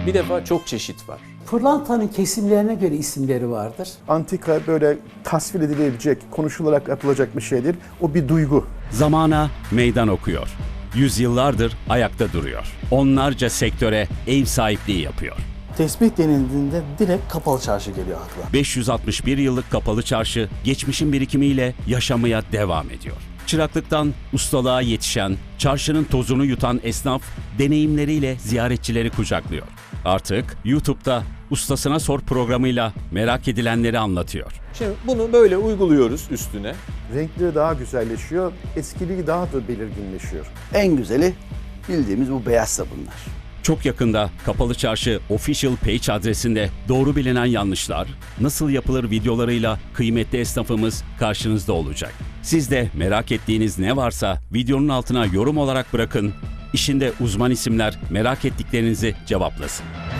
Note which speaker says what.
Speaker 1: Bir defa çok çeşit var.
Speaker 2: Pırlantanın kesimlerine göre isimleri vardır.
Speaker 3: Antika böyle tasvir edilebilecek, konuşularak yapılacak bir şeydir. O bir duygu.
Speaker 4: Zamana meydan okuyor. Yüzyıllardır ayakta duruyor. Onlarca sektöre ev sahipliği yapıyor.
Speaker 5: Tesbih denildiğinde direkt kapalı çarşı geliyor akla.
Speaker 4: 561 yıllık kapalı çarşı geçmişin birikimiyle yaşamaya devam ediyor. Çıraklıktan ustalığa yetişen, çarşının tozunu yutan esnaf deneyimleriyle ziyaretçileri kucaklıyor. Artık YouTube'da Ustasına Sor programıyla merak edilenleri anlatıyor.
Speaker 1: Şimdi bunu böyle uyguluyoruz üstüne.
Speaker 3: Renkleri daha güzelleşiyor, eskiliği daha da belirginleşiyor.
Speaker 6: En güzeli bildiğimiz bu beyaz sabunlar.
Speaker 4: Çok yakında Kapalı Çarşı Official Page adresinde doğru bilinen yanlışlar, nasıl yapılır videolarıyla kıymetli esnafımız karşınızda olacak. Siz de merak ettiğiniz ne varsa videonun altına yorum olarak bırakın. İşinde uzman isimler merak ettiklerinizi cevaplasın.